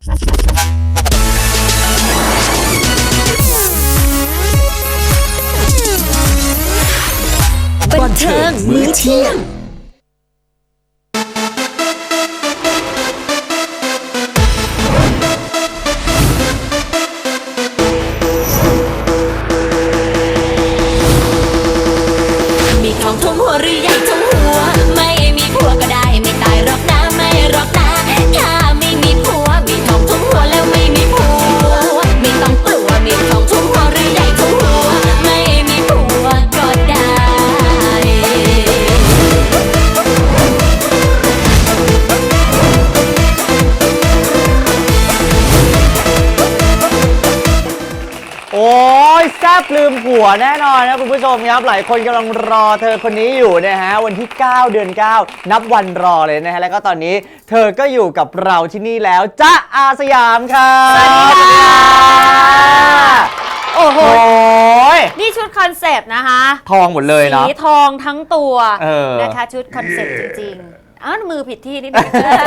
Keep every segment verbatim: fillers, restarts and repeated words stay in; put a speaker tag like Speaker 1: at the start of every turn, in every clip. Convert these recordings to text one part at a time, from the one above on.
Speaker 1: บันเทิงมื้อเที่ยง
Speaker 2: มีทองทุ่มหัวหรือใหญ่ทุ่มหัวไม่มีผัวก็ได้ไม่ตายหรอกนะไม่หรอกนะถ้าไม่มีผัวมีทองทุ่มหัวแล้วไม่มีผัวไม่ต้องกลัวมีทองทุ่มหัวหรือใหญ่ทุ่มหัวไม่มีผัวก็ได้
Speaker 3: โอ้ยแซ่บลืมผัวแน่นอนนะคุณผู้ชมครับหลายคนกำลังรอเธอคนนี้อยู่นะฮะวันที่เก้าเดือนเก้านับวันรอเลยนะฮะแล้วก็ตอนนี้เธอก็อยู่กับเราที่นี่แล้วจ๊ะอาสยามค่ะสวัสดีค่ะโอ้โห
Speaker 4: นี่ชุดคอนเซปต์นะคะ
Speaker 3: ทองหมดเลยเนาะ
Speaker 4: สีทองทั้งตัว
Speaker 3: เออ
Speaker 4: นะคะชุดคอนเซปต์จริงๆอ้าวมือผิดที่นิดนึง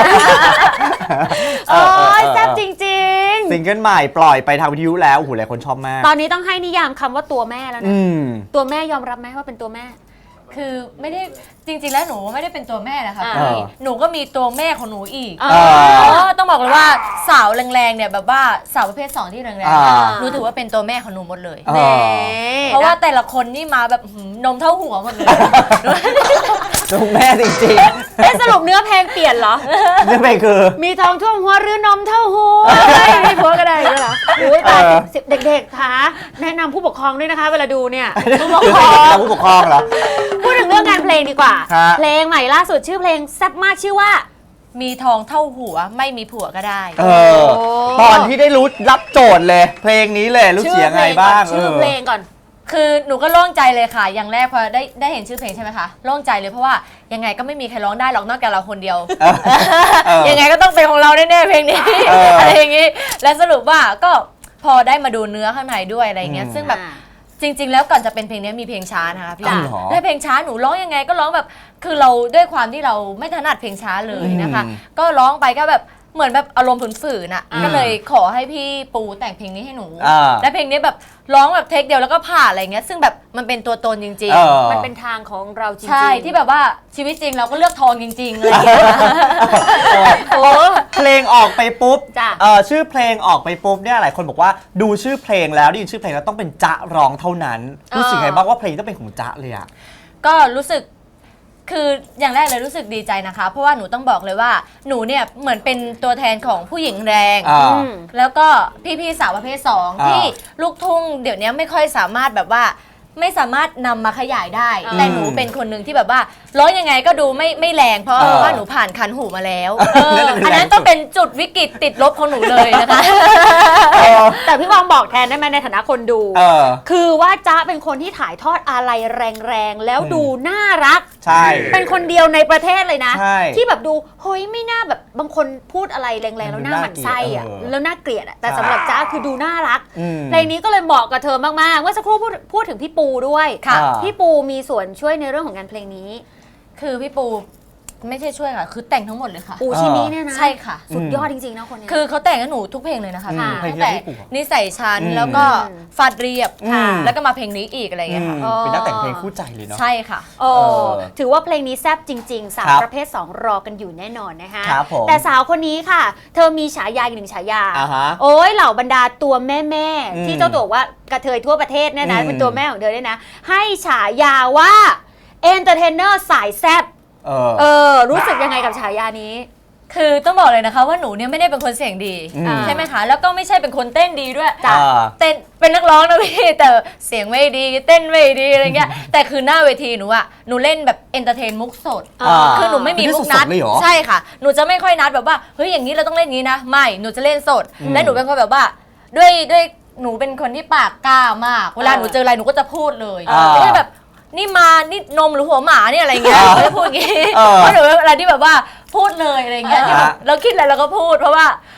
Speaker 4: โอ้ยแซ่บจริงๆ
Speaker 3: ซิงเกิลใหม่ปล่อยไปทางวิทยุแล้วโอ้โหหลายคนชอบมาก
Speaker 4: ตอนนี้ต้องให้นิยามคำว่าตัวแม่แล้วนะตัวแม่ยอมรับไหมว่าเป็นตัวแม่
Speaker 5: คือไม่ได้จริงๆแล้วหนูไม่ได้เป็นตัวแม่นะคะ
Speaker 4: อ่า
Speaker 5: พี่หนูก็มีตัวแม่ของหนูอีก
Speaker 4: อ่า
Speaker 5: เออต้องบอกเลยว่าสาวแรงๆเนี่ยแบบว่าสาวประเภทสองที่แรง
Speaker 3: อ่า
Speaker 5: ๆหนูถือว่าเป็นตัวแม่ของหนูหมดเลย
Speaker 3: อ่า
Speaker 4: แหม
Speaker 5: เพราะว่าแต่ละคนนี่มาแบบหืมนมเท่าหัวหมดเลย
Speaker 3: ตัวแม่จริง
Speaker 4: เอ๊ะสรุปเนื้อเพลงเปลี่ยนเหรอ
Speaker 3: ๆนี่เป็นคือ
Speaker 4: มีทองท่วมหัวหรือนมเท่าหัวไม่ผัวก็ได้ด้วยเหรออุ้ยตายสิเด็กๆคะแนะนำผู้ปกครองด้วยนะคะเวลาดูเนี่ยผู้ปกครอง
Speaker 3: ผู้ปกครองเหรอ
Speaker 4: พูดถึงเรื่องงานเพลงดีกว่า
Speaker 3: ฮะ
Speaker 4: เพลงใหม่ล่าสุดชื่อเพลงแซ่บมากชื่อว่า
Speaker 5: มีทองเท่าหัวไม่มีผัวก็ได้
Speaker 3: เออตอนที่ได้รู้รับโจทย์เลย เพลงนี้เลยรู้เสียงไงบ้าง
Speaker 4: ชื่อเพลงก่อน
Speaker 5: คือหนูก็โล่งใจเลยค่ะ อย่างแรกพอได้ได้เห็นชื่อเพลงใช่ไหมคะโล่งใจเลยเพราะว่ายังไงก็ไม่มีใครร้องได้หรอกนอกจากเราคนเดียว
Speaker 3: เออเออ
Speaker 5: ยังไงก็ต้องเป็นของเราแน่ๆเพลงนี้
Speaker 3: เอออ
Speaker 5: อะไรอย่างงี้และสรุปว่าก็พอได้มาดูเนื้อข้างในด้วยอะไรเงี้ย
Speaker 3: อืม
Speaker 5: ซึ่งแบบจริง ๆ แล้วก่อนจะเป็นเพลงนี้มีเพลงช้านะคะพี่
Speaker 3: อ้าวเหรอ
Speaker 5: และเพลงช้าหนูร้องยังไงก็ร้องแบบคือเราด้วยความที่เราไม่ถนัดเพลงช้าเลยนะคะ
Speaker 3: อืม
Speaker 5: ก็ร้องไปก็แบบเหมือนแบบอารมณ์ฝืนๆอ่ะ
Speaker 4: อ่า
Speaker 5: ก็เลยขอให้พี่ปูแต่งเพลงนี้ให้หนู
Speaker 3: อ่า
Speaker 5: และเพลงนี้แบบร้องแบบเทคเดียวแล้วก็ผ่านอะไรเงี้ยซึ่งแบบมันเป็นตัวตนจริง
Speaker 3: เออ
Speaker 4: มันเป็นทางของเราจริงๆ
Speaker 5: ๆ ใช่ที่แบบว่าชีวิตจริงเราก็เลือกทองจริงๆอะไรอย่างเงี้ย
Speaker 3: โอ้เพลงออกไปปุ๊บ
Speaker 4: จ้ะ
Speaker 3: เออชื่อเพลงออกไปปุ๊บเนี่ยหลายคนบอกว่าดูชื่อเพลงแล้วได้ยินชื่อเพลงแล้วต้องเป็นจ๊ะร้องเท่านั้นรู้สึกไงบ้างว่าเพลงต้องเป็นของจ๊ะเลยอะ
Speaker 5: ก็รู้สึกคืออย่างแรกเลยรู้สึกดีใจนะคะ เพราะว่าหนูต้องบอกเลยว่าหนูเนี่ยเหมือนเป็นตัวแทนของผู้หญิงแรง
Speaker 3: อ่า
Speaker 4: อืม
Speaker 5: แล้วก็พี่ๆสาวประเภทสอง
Speaker 3: อ่า
Speaker 5: ที่ลูกทุ่งเดี๋ยวนี้ไม่ค่อยสามารถแบบว่าไม่สามารถนำมาขยายได้
Speaker 4: อืม
Speaker 5: แต่หนูเป็นคนหนึ่งที่แบบว่าร้องยังไงก็ดูไม่ไม่แรงเพราะ
Speaker 3: เออ
Speaker 5: ว่าหนูผ่านคันหูมาแล้ว
Speaker 3: เออ
Speaker 5: เอออันนั้นต้องเป็นจุดวิกฤตติดลบของหนูเลยนะคะ
Speaker 4: แต่พี่บองบอกแทนได้ไหมในฐานะคนดู
Speaker 3: เออ
Speaker 4: คือว่าจ๊ะเป็นคนที่ถ่ายทอดอะไรแรงๆ แล้วดูน่ารัก
Speaker 3: ใช่
Speaker 4: เป็นคนเดียวในประเทศเลยนะ
Speaker 3: ใช่
Speaker 4: ที่แบบดูเฮ้ยไม่น่าแบบบางคนพูดอะไรแรงๆ แล้วหน้าหมันไส้อะ
Speaker 3: เออ
Speaker 4: แล้วน่าเกลียดอะแต่
Speaker 3: ใช่
Speaker 4: สำหรับจ๊ะคือดูน่ารัก
Speaker 3: อืม
Speaker 4: เพลงนี้ก็เลยเหมาะกับเธอมากๆเมื่อสักครู่พูดพูดถึงพี่ปูด้วย
Speaker 3: ค่ะ
Speaker 4: พี่ปูมีส่วนช่วยในเรื่องของงานเพลงนี้
Speaker 5: คือพี่ปูไม่ใช่ช่วยค่ะคือแต่งทั้งหมดเลยค่ะ
Speaker 4: ปูชิมิเนี่ยนะ
Speaker 5: ใช่ค่ะ
Speaker 4: สุดยอดจริงๆนะคนเนี้ย
Speaker 5: คือเขาแต่งให้หนูทุกเพลงเลยนะคะ
Speaker 3: อืม
Speaker 5: พี่
Speaker 3: เพลง
Speaker 5: ตั้ง
Speaker 3: ที่
Speaker 5: แต่
Speaker 3: พี่ปู่บอก
Speaker 5: นิสัยฉัน
Speaker 3: อืม
Speaker 5: แล้วก็ฟาดเรียบ
Speaker 3: อืม
Speaker 5: แล้วก็มาเพลงนี้อีกอะไรอย่างเงี้ยค่ะ
Speaker 3: อืมเป็นนักแต่งเพลงคู่ใจเลยเนาะ
Speaker 5: ใช่ค่ะ
Speaker 4: โอ้
Speaker 3: เออ
Speaker 4: ถือว่าเพลงนี้แซ่บจริง ๆ สาว
Speaker 3: ครับ
Speaker 4: ประเภท สอง รอกันอยู่แน่นอนนะคะ
Speaker 3: ครับผม
Speaker 4: แต่สาวคนนี้ค่ะ เธอมีฉายาอีกหนึ่งฉายา
Speaker 3: อ่าฮะ
Speaker 4: โอ้ยเหล่าบรรดาตัวแม่แม่ๆ
Speaker 3: อืม
Speaker 4: ที่เจ้าตัวบอกว่ากระเทยทั่วประเทศเนี่ยนะ
Speaker 3: อืม
Speaker 4: เป็นตัวแม่ของเธอเนี่ยนะ ให้ฉายาว่าเอนเตอร์เทนเนอร์สายแซ่บ
Speaker 3: เออ
Speaker 4: เออ รู้สึกยังไงกับฉายานี้
Speaker 5: คือต้องบอกเลยนะคะว่าหนูเนี่ยไม่ได้เป็นคนเสียงดี
Speaker 3: อืม
Speaker 5: ใช่ไหมคะแล้วก็ไม่ใช่เป็นคนเต้นดีด้วย
Speaker 3: จ้ะ
Speaker 5: เต้นเป็นนักร้องนะพี่แต่เสียงไม่ดีเต้นไม่ดีอะไรเงี้ยแต่คือหน้าเวทีหนูอะหนูเล่นแบบเอนเตอร์เทนมุกสด
Speaker 4: อ่า
Speaker 5: คือหนูไม่มีมุกนัด
Speaker 3: สดๆเลยเหรอ
Speaker 5: ใช่ค่ะหนูจะไม่ค่อยนัดแบบว่าเฮ้ยอย่างนี้เราต้องเล่นอย่างนี้นะไม่หนูจะเล่นสด และหนูเป็นคนแบบว่าด้วยด้วยหนูเป็นคนที่ปากกล้ามาก เวลาหนูเจออะไรหนูก็จะพูดเลย
Speaker 3: อ่า
Speaker 5: ไม่ใช่แบบนี่มานี่นมหรือหัวหมาเนี่ยอะไรเงี้ย
Speaker 3: อ่า
Speaker 5: ไม่ได้พูดอย่างงี้
Speaker 3: เออ
Speaker 5: เพราะหนูเป็นอะไรที่แบบว่าพูดเลยอะไรเงี้ยที่แบบ
Speaker 3: อ่า
Speaker 5: เราคิดอะไรเราก็พูด เพราะว่า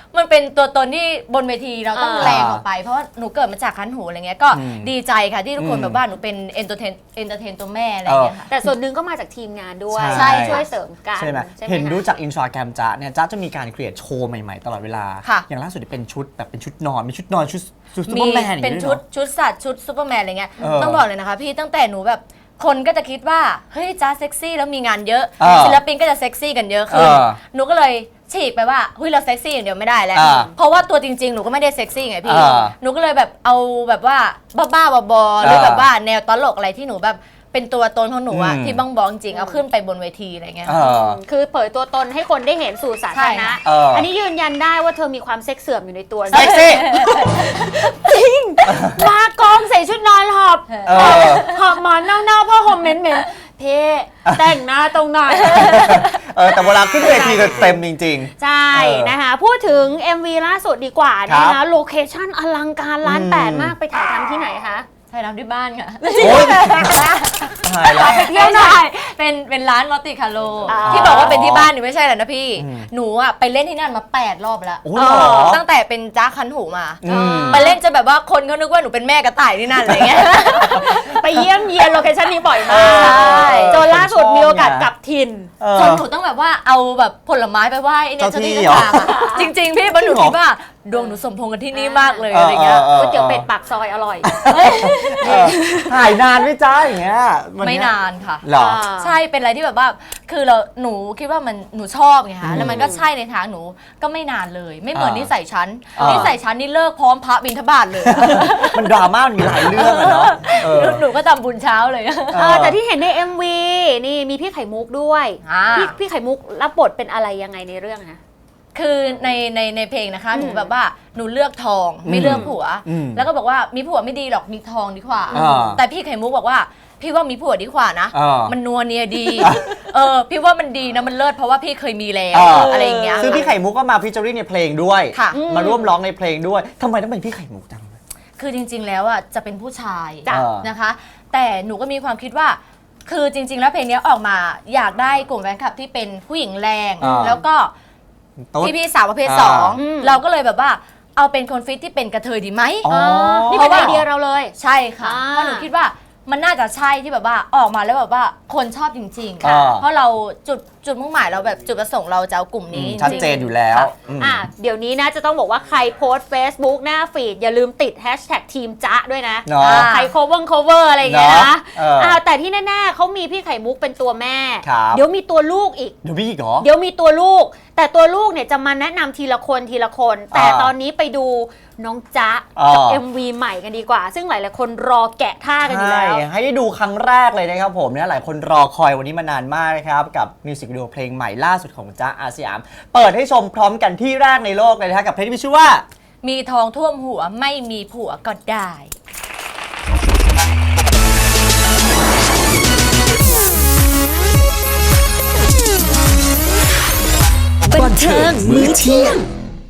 Speaker 5: มันเป็นตัวตนที่บนเวทีเราต้อง
Speaker 4: เออ
Speaker 5: แรงออกไปเพราะว่าหนูเกิดมาจากคันหูอะไรเงี้ยก็
Speaker 3: อืม
Speaker 5: ดีใจค่ะที่ทุกคน
Speaker 3: อืม
Speaker 5: แบบว่าหนูเป็นเอนเตอร์เทนเอนเตอร์เทนตัวแม่อะไรเงี้ยค่ะ
Speaker 4: แต่ส่วนหนึ่งก็มาจากทีมงานด้วย
Speaker 3: ใช่
Speaker 4: ช่วยเสริมกัน
Speaker 3: ใช่ไหม
Speaker 4: ใช่ไหม
Speaker 3: เห็น
Speaker 4: คะ
Speaker 3: รู้จากอินสตาแกรมจ๊ะเนี่ยจ๊ะจะมีการครีเอทโชว์ใหม่ๆตลอดเวลา
Speaker 5: ค่ะ
Speaker 3: อย่างล่าสุดเป็นชุดแบบเป็นชุดนอนมีชุดนอนชุดชุดซูเป
Speaker 5: มี
Speaker 3: อร์แมนอย่าง
Speaker 5: เป็น
Speaker 3: นี้
Speaker 5: ชุด
Speaker 3: ด้วยหรอ
Speaker 5: ชุดสัตว์ชุดซูเปอร์แมนอะไรเงี้ย
Speaker 3: เออ
Speaker 5: ต้องบอกเลยนะคะพี่ตั้งแต่หนูแบบคนก็จะคิดว่าเฮ้ยจ้าเซ็กซี่แล้วมีงานเยอะ
Speaker 3: เออ
Speaker 5: ศิลปินก็จะเซ็กซี่กันเยอะขึ้น
Speaker 3: เออ
Speaker 5: หนูก็เลยฉีกไปว่าเฮ้ยเราเซ็กซี่อย่างเดียวไม่ได้แล้ว
Speaker 3: เออ
Speaker 5: เพราะว่าตัวจริงๆหนูก็ไม่ได้เซ็กซี่ไงพี่
Speaker 3: เออ
Speaker 5: หนูก็เลยแบบเอาแบบว่าบ้าๆบอๆหรือแบบว่าแนวตลกอะไรที่หนูแบบเป็นตัวตนของหนูอะ
Speaker 3: อืม
Speaker 5: ที่บ้องบองจริงเอาขึ้นไปบนเวทีอะไรเงี้ย
Speaker 3: เออ
Speaker 4: คือเผยตัวตนให้คนได้เห็นสู่สาธารณะ
Speaker 5: ใช่ค่ะ
Speaker 3: เอออั
Speaker 4: อันนี้ยืนยันได้ว่าเธอมีความเซ็กเสื่อมอยู่ในตัว
Speaker 3: เซ็กซี่
Speaker 4: มากองใส่ชุดนอนหอบ
Speaker 3: เออ
Speaker 4: หอบหมอนเน่าๆผ้าห่มเหม็นๆเพ่แต่งหน้าตรงไหน
Speaker 3: เออแต่เวลาขึ้นเวทีจะเต็มจริง
Speaker 4: ใช่
Speaker 3: เออ
Speaker 4: นะคะ พูดถึง เอ็ม วี ล่าสุดดีกว่า
Speaker 3: ครั
Speaker 4: นะ
Speaker 3: บ
Speaker 4: คะโลเคชั่นอลังการล้าน
Speaker 3: อืม
Speaker 4: แปดมากไปถ่ายทำที่ไหนคะ
Speaker 5: ถ่ายทำที่บ้านค่ะ
Speaker 3: ๆ โอ๊ยตายแล้ว
Speaker 4: ไปเที่ยวหน่อย
Speaker 5: เป็นเป็นร้านมัลติคาโล
Speaker 4: อ๋อ
Speaker 5: ที่บอกว่าเป็นที่บ้านนี่ไม่ใช่แหละนะพี่
Speaker 3: อืม
Speaker 5: หนูอะไปเล่นที่นั่นมาแปดรอบแล้ว
Speaker 3: โอ้ยเหรอ
Speaker 5: ตั้งแต่เป็นจ้าคันหูมา
Speaker 3: อืม
Speaker 5: ไปเล่นจนแบบว่าคนเขานึกว่าหนูเป็นแม่กระต่ายที่นั่นอะไรเงี้ย
Speaker 4: ไปเยี่ยมเยียนโลเคชั่นนี้บ่อยมาก
Speaker 5: ใช่
Speaker 4: จนล่าสุดมีโอกาสกลับถิ่น
Speaker 3: เออ
Speaker 5: จนหนูต้องแบบว่าเอาแบบผลไม้ไปไหว้ไอ้เนี่ย
Speaker 3: เจ้า
Speaker 5: เจ้า
Speaker 3: ที่
Speaker 5: ที่
Speaker 3: เหรอ
Speaker 5: เจ้าทางอะจริง ๆ พี่เพราะหนู
Speaker 3: จริงเหรอ
Speaker 5: คิดว่าดวงหนูสมพงษ์กันที่นี่มากเลยอะไรเงี้ย
Speaker 3: เออ
Speaker 4: ก๋วยเตี๋ยวเป็ดปากซอยอร่อย
Speaker 3: เออถ่ายนานไหมจ๊ะอย่างเงี้ยวั
Speaker 5: ไม่
Speaker 3: เย
Speaker 5: นานค่ะ
Speaker 3: เหรอ
Speaker 5: ใช่เป็นอะไรที่แบบว่าคือเราหนูคิดว่ามันหนูชอบไงคะแล้วมันก็ใช่ในทางหนูก็ไม่นานเลย ไม่เหมือน
Speaker 3: อ่านิ
Speaker 5: นิสัยฉัน
Speaker 3: อ่านิ
Speaker 5: นิสัยฉันนี่เลิกพร้อมพระบิณฑบาตเลยอะ
Speaker 3: มันดราม่ามันมีหลายเรื่องอะเนาะเออ
Speaker 5: หนูก็ทำบุญเช้าเลย
Speaker 4: เออแต่ที่เห็นใน เอ็ม วี นี่มีพี่ไข่มุกด้วย
Speaker 5: อ่า
Speaker 4: พี่พี่ไข่มุกรับบทเป็นอะไรยังไงในเรื่องคะ
Speaker 5: คือในในในเพลงนะคะ
Speaker 4: อืม
Speaker 5: หนูแบบว่าหนูเลือกทองไม่เลือกผัว
Speaker 3: อืม
Speaker 5: แล้วก็บอกว่ามีผัวไม่ดีหรอกมีทองดีกว่า
Speaker 3: อ่า
Speaker 5: แต่พี่ไข่มุกบอกว่าพี่ว่ามีผัวดีกว่านะ
Speaker 3: อ่ามั
Speaker 5: มันนัวเนียดี เออพี่ว่ามันดีนะมันเลิศเพราะว่าพี่เคยมีแล้ว
Speaker 3: อ่า
Speaker 5: อะไรอย่างเงี้ย
Speaker 3: ซึ่งพี่ไข่มุกก็มาพิจาริในเพลงด้วย
Speaker 5: ค่ะ
Speaker 3: มาร่วมร้องในเพลงด้วยทำไมต้องเป็นพี่ไข่มุกจัง
Speaker 5: คือจริง ๆ แล้วอ่ะจะเป็นผู้ชาย
Speaker 3: จ้ะ
Speaker 5: นะคะ แต่หนูก็มีความคิดว่า คือจริง ๆ แล้วเพลงนี้ออกมาอยากได้กลุ่มแฟนคลับที่เป็นผู้หญิงแรง
Speaker 3: อ่า
Speaker 5: แล้วก็
Speaker 3: ตุ๊ด
Speaker 5: พี่ๆสาวประเภท
Speaker 3: อ่า
Speaker 5: สอง
Speaker 4: อืม
Speaker 5: เราก็เลยแบบว่าเอาเป็นคนฟิตที่เป็นกระเทยดีไหม
Speaker 3: อ๋อ
Speaker 4: นี่เป็นไอเดียเราเลย
Speaker 5: ใช่ค่ะ
Speaker 4: อ่า
Speaker 5: เพราะหนูคิดว่ามันน่าจะใช่ที่แบบว่าออกมาแล้วแบบว่าคนชอบจริงๆ
Speaker 3: อ่า
Speaker 5: เพราะเราจุดจุดมุ่งหมายเราแบบจุดประสงค์เราจะเอากลุ่มนี้
Speaker 3: ชัด
Speaker 5: จริงๆ
Speaker 3: เจนอยู่แล้ว
Speaker 5: ค่ะ
Speaker 3: อืม
Speaker 4: อ่ะเดี๋ยวนี้นะจะต้องบอกว่าใครโพสต์ Facebook หน้าฟีดอย่าลืมติดแฮชแท็กทีมจ๊ะด้วยนะ
Speaker 3: เนาะ
Speaker 5: อ่า
Speaker 4: ใคร cover cover อะไรอย่างเงี้ย
Speaker 3: เนาะ
Speaker 4: นะ
Speaker 3: เอออ่
Speaker 4: าแต่ที่แน่ๆเขามีพี่ไข่มุกเป็นตัวแม่
Speaker 3: ครับ
Speaker 4: เดี๋ยวมีตัวลูกอีก
Speaker 3: เดี๋ยวพี่อีกเหรอ
Speaker 4: เดี๋ยวมีตัวลูก แต่ตัวลูกเนี่ยจะมาแนะนำทีละคนทีละคน แต่
Speaker 3: อ่า
Speaker 4: ตอนนี้ไปดูน้องจ๊ะ
Speaker 3: อ่า
Speaker 4: กับ เอ็ม วี ใหม่กันดีกว่า ซึ่งหลายๆคนรอแกะท่ากันอยู่
Speaker 3: ใช่
Speaker 4: แล้ว
Speaker 3: ให้ได้ดูครั้งแรกเลยนะครับผมเนี่ยหลายคนรอคอยวันนี้มานานมากนะครับ กับมิวสิกวิดีโอเพลงใหม่ล่าสุดของจ๊ะอาสยาม เปิดให้ชมพร้อมกันที่แรกในโลกเลยนะครับกับเพลงที่มีชื่อว่า
Speaker 5: มีทองท่วมหัวไม่มีผัวก็ได้
Speaker 1: บันเทิงมื้อเที่ยง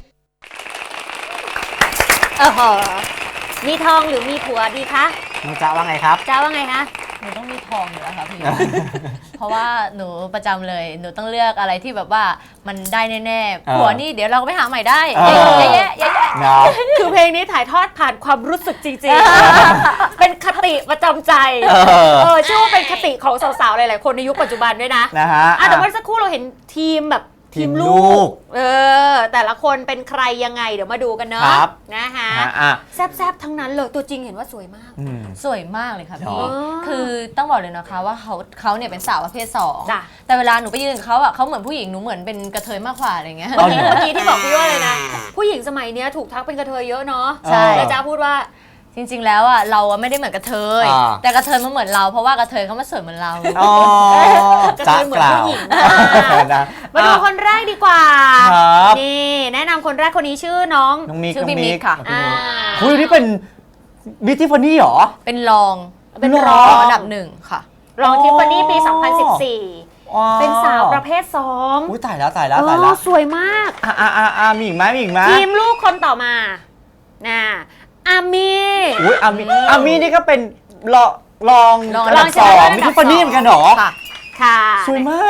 Speaker 4: เออมีทองหรือมีผัวดีคะ
Speaker 3: น้องจ๊ะว่าไงครับ
Speaker 4: จ้าว่าไงคะ
Speaker 5: หนูต้องมีทองอยู่แล้วค่ะพี่ เพราะว่าหนูประจำเลย หนูต้องเลือกอะไรที่แบบว่ามันได้แน่ๆ ผัวนี่เดี๋ยวเราก็ไปหาใหม่ได้
Speaker 3: เออ
Speaker 5: เยอะแยะเยอะแยะ
Speaker 3: เนาะ
Speaker 4: คือเพลงนี้ถ่ายทอดผ่านความรู้สึกจริงๆ เป็นคติประจำใจ
Speaker 3: เออ
Speaker 4: เออเชื่อว่าเป็นคติของสาวๆ หลายๆ คนในยุคปัจจุบันด้วยนะ
Speaker 3: นะฮะ
Speaker 4: อ่ะแต่เมื่อสักครู่เราเห็นทีมแบบ
Speaker 3: ทีมลูก
Speaker 4: เออ แต่ละคนเป็นใครยังไงเดี๋ยวมาดูกันเนาะ
Speaker 3: ครับ
Speaker 4: นะคะ
Speaker 3: อ่ะอ่ะ
Speaker 4: แซบๆ ทั้งนั้นเลย ตัวจริงเห็นว่าสวยมาก
Speaker 3: อืม
Speaker 5: สวยมากเลยค่ะ
Speaker 3: หร
Speaker 5: พี่
Speaker 3: อ
Speaker 5: คือต้องบอกเลยนะคะว่าเขาเขาเนี่ยเป็นสาวประเภทสอง
Speaker 4: จ้ะ
Speaker 5: แต่เวลาหนูไปยืนกับเขาอ่ะเขาเหมือนผู้หญิงหนูเหมือนเป็นกระเทยมากกว่าอะไรเงี้ย
Speaker 4: เมื่อกี้เมื่อกี้ที่บอกพี่ว่าเลยนะ ผู้หญิงสมัยเนี้ยถูกทักเป็นกระเทยเยอะเนาะ
Speaker 3: ใช่
Speaker 4: แล้วจ้าพูดว่า
Speaker 5: จริง ๆ แล้วอ่ะเราอะไม่ได้เหมือนกระเทย
Speaker 3: อ่า
Speaker 5: แต่กระเทยมันเหมือนเราเพราะว่ากระเทยเขามาสวยเหมือนเรา
Speaker 3: อ๋อก
Speaker 4: ระ
Speaker 3: จ๊ะ
Speaker 4: เทยเหมือน
Speaker 3: กล่าว
Speaker 4: ผู้หญิง
Speaker 3: นะ
Speaker 4: มาดูคนแรกดีกว่า
Speaker 3: ครับ
Speaker 4: นี่แนะนำคนแรกคนนี้ชื่อน้อง
Speaker 3: น้องมิก
Speaker 5: ชื่อ
Speaker 3: น้อง
Speaker 5: พี่มิ
Speaker 3: มิ
Speaker 5: ก
Speaker 3: ก
Speaker 5: ค่ะ
Speaker 4: อ่า
Speaker 3: คุยนี่เป็นบิทติฟานี่เหรอ
Speaker 5: เป็นรอง
Speaker 4: เป็น
Speaker 3: หร
Speaker 4: ร
Speaker 3: อ
Speaker 4: อง
Speaker 5: อันดับหนึ่งค่ะ
Speaker 4: รองทิฟฟานี่ปี สองพันสิบสี่
Speaker 3: อ๋อ
Speaker 4: เป็นสาวประเภทสอง
Speaker 3: อุ้ยตายแล้วตายแล้ว
Speaker 4: เอ
Speaker 3: ตายแล้
Speaker 4: อ
Speaker 3: ว
Speaker 4: สวยมาก
Speaker 3: อ่ะอ่ะอ่ะอ่ะมีอีกไหมมีอีกไหม
Speaker 4: ทีมลูกคนต่อมาน่ะอามี
Speaker 3: อุ้ยอามีอามีนี่ก็เป็นรองรอง
Speaker 5: รอง
Speaker 3: อันดับ
Speaker 5: รอง
Speaker 3: สอง
Speaker 4: อันดับ
Speaker 3: บิทติฟานี่เหมือนกันเหรอ
Speaker 5: ค่ะ
Speaker 4: ค่ะ
Speaker 3: สวยมาก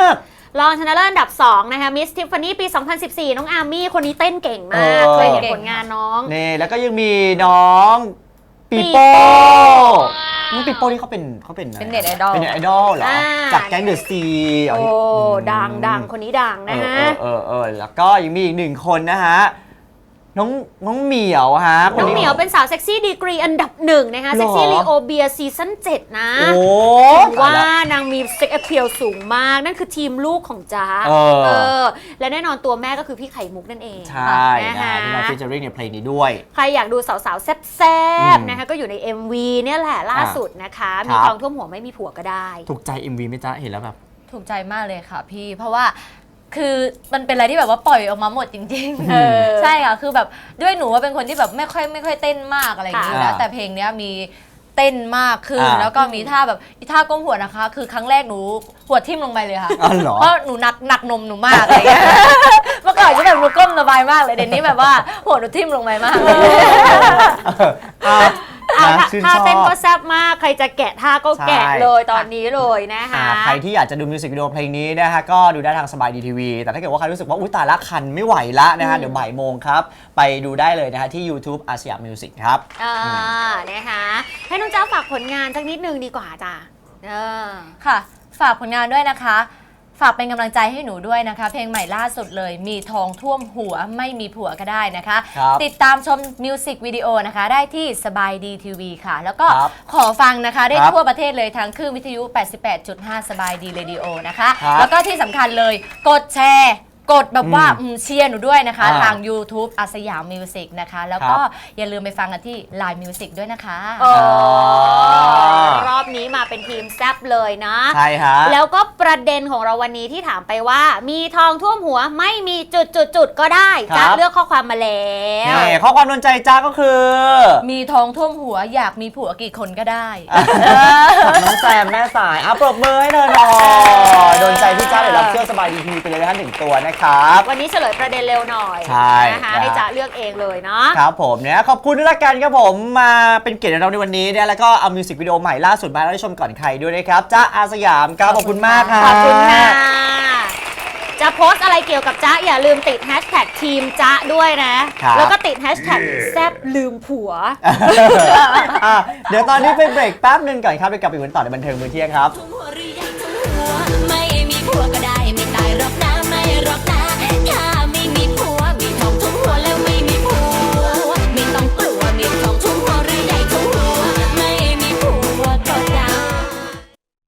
Speaker 4: รองชนะเลิศอันดับสองนะคะมิสทิฟฟานี่ปี สองพันสิบสี่ น้องอาร์มี่คนนี้เต้นเก่งมาก
Speaker 3: เออ
Speaker 4: เคยเห็นผลงานน้อง
Speaker 3: นี่แล้วก็ยังมีน้องปีโป้ น้องปีโป้นี่เขาเป็นเขาเป็นอะไร
Speaker 5: เป็นเน็ตไอดอล
Speaker 3: เป็นเน็ตไอดอลเหรอ
Speaker 4: อ่า
Speaker 3: จากแก๊งเดอะซี
Speaker 4: โอ้ดังดังคนนี้ดังนะฮะ
Speaker 3: เออเออเออแล้วก็ยังมีอีกหนึ่งคนนะฮะน้องน้องเหมียวฮะ
Speaker 4: น้องเหมียวเป็นสาวเซ็กซี่ดีกรีอันดับหนึ่งนะคะ
Speaker 3: หรอ
Speaker 4: เซ็กซี่ลีโอเบียซีซั่นเจ็ดนะ
Speaker 3: โอ้
Speaker 4: ถือว่านางมีเซ็กแอพเพียลสูงมาก นั่นคือทีมลูกของจ๊ะ
Speaker 3: เออ
Speaker 4: เออ และแน่นอนตัวแม่ก็คือพี่ไข่มุกนั่นเอง
Speaker 3: ใช่
Speaker 4: นะ
Speaker 3: นะคะ ที่มาฟีเจอริ่งในเพลงนี้ด้วย
Speaker 4: ใครอยากดูสาวๆ แซ่บ
Speaker 3: อืม
Speaker 4: ๆนะคะก็อยู่ใน เอ็ม วี เนี่ยแหละล่าสุดนะคะ มี
Speaker 3: ครับ
Speaker 4: ทองท่วมหัวไม่มีผัวก็ได้
Speaker 3: ถูกใจ เอ็ม วี ไหมจ๊ะ เห็นแล้วแบบ
Speaker 5: ถูกใจมากเลยค่ะพี่ เพราะว่าคือมันเป็นอะไรที่แบบว่าปล่อยออกมาหมดจริง
Speaker 3: เออ
Speaker 5: ๆ ใช่ค่ะ คือแบบด้วยหนูว่าเป็นคนที่แบบไม่ค่อยไม่ค่อยเต้นมากอะไรอย่างนี้อยู่แล้ว
Speaker 3: ค่ะ
Speaker 5: แต่เพลงเนี้ยมีเต้นมากขึ้น
Speaker 3: อ่า
Speaker 5: แล้วก็มีท่าแบบอีท่าก้มหัวนะคะ คือครั้งแรกหนูหัวทิ่มลงไปเลยค่ะ
Speaker 3: อ๋อเหรอ
Speaker 5: เพราะหนูหนักหนักนมหนูมากอะไรอย่างเงี้ย เมื่อก่อนก็แบบหนูก้มสบายมากเลยเดี๋ยวนี้แบบว่าหัวหนูทิ่มลงไปมากเลย
Speaker 3: อ่ะ
Speaker 4: อ่ะ
Speaker 3: นะ
Speaker 4: ท่า
Speaker 3: ชื่น
Speaker 4: ท่า
Speaker 3: ชอ
Speaker 4: เต้นก็
Speaker 3: บ
Speaker 4: แซ่บมาก ใครจะแกะท่าก็แกะ
Speaker 3: ใช่
Speaker 4: เลยตอนนี้เลยนะคะ
Speaker 3: อ่าใครที่อยากจะดูมิวสิกวิดีโอเพลงนี้นะฮะก็ดูได้ทางสบายดีทีวีแต่ถ้าเกิดว่าใครรู้สึกว่าอุ้ยตายละคันไม่ไหวละนะฮะเดี๋ยวบ่ายโมงครับ ไปดูได้เลยนะฮะที่ YouTube อาสยามมิวสิกครับ
Speaker 4: อ่านะคะให้น้องเจ้าฝากผลงานสักนิดนึงดีกว่าจ้ะเออ
Speaker 5: ค่ะ ฝากผลงานด้วยนะคะ ฝากเป็นกำลังใจให้หนูด้วยนะคะ เพลงใหม่ล่าสุดเลยมีทองท่วมหัวไม่มีผัวก็ได้นะคะ
Speaker 3: ครับ
Speaker 5: ติดตามชมมิวสิกวิดีโอนะคะ ได้ที่สบายดีทีวีค่ะ แล้วก็
Speaker 3: ครับ
Speaker 5: ขอฟังนะคะได้
Speaker 3: ครับ
Speaker 5: ทั่วประเทศเลยทั้งคลื่นวิทยุ แปดสิบแปดจุดห้า สบายดีเรดิโอนะคะ
Speaker 3: ครับ
Speaker 5: แล้วก็ที่สำคัญเลยกดแชร์ กดแบบว่า
Speaker 3: อืม
Speaker 5: อืมเชียร์หนูด้วยนะคะ
Speaker 3: อ่า
Speaker 5: ทาง YouTube อาสยามมิวสิกนะคะ แล้วก็อย่าลืมไปฟังกันที่ Line Music ด้วยนะคะ
Speaker 4: โอ้
Speaker 3: อ่าร
Speaker 4: อบนี้มาเป็นทีมแซบเลยนะ
Speaker 3: ใช่ฮะ
Speaker 4: แล้วก็ประเด็นของเราวันนี้ที่ถามไปว่า มีทองท่วมหัวไม่มีจุดจุดจุดๆๆก็ได้
Speaker 3: ครั
Speaker 4: จะ
Speaker 3: บ
Speaker 4: เลือกข้อความมาแล้ว
Speaker 3: นี่ข้อความโดนใจจ้าก็คือ
Speaker 5: มีทองท่วมหัวอยากมีผัวกี่คนก็ได้
Speaker 3: น้องแซมแม่สายอ่ะปรบมือให้เธอหน่อยโดนใจพี่จ้าเดี๋ยวรับเสื้อสบายดีทีวีไปเลยนะฮะหนึ่งตัวนะครับ
Speaker 4: วันนี้เฉลยประเด็นเร็วหน่อย
Speaker 3: ใช่
Speaker 4: นะคะ
Speaker 3: นะ
Speaker 4: ให้จ๊ะเลือกเองเลยเนาะ
Speaker 3: ครับผมเนี่ยขอบคุณด้วยละกันครับผมมาเป็นเกียรติกับเราในวันนี้เนี่ยแล้วก็เอามิวสิกวิดีโอใหม่ล่าสุดมาให้ได้ชมก่อนใครด้วยนะครับจ้าอาสยามครับขอบคุณมากครับ
Speaker 4: ขอบคุณค่ะ จะโพสต์อะไรเกี่ยวกับจ๊ะอย่าลืมติดแฮชแท็กทีมจ๊ะด้วยนะ
Speaker 3: ครับ
Speaker 4: แล้วก็ติดแฮชแท็กแซบลืมผัว
Speaker 3: อ่ะเดี๋ยวตอนนี้ไปเบรกแป๊บนึงก่อนครับไปกลับไปวันต่อในบันเทิงมื้อเที่ยงครับ
Speaker 2: ทุ่ม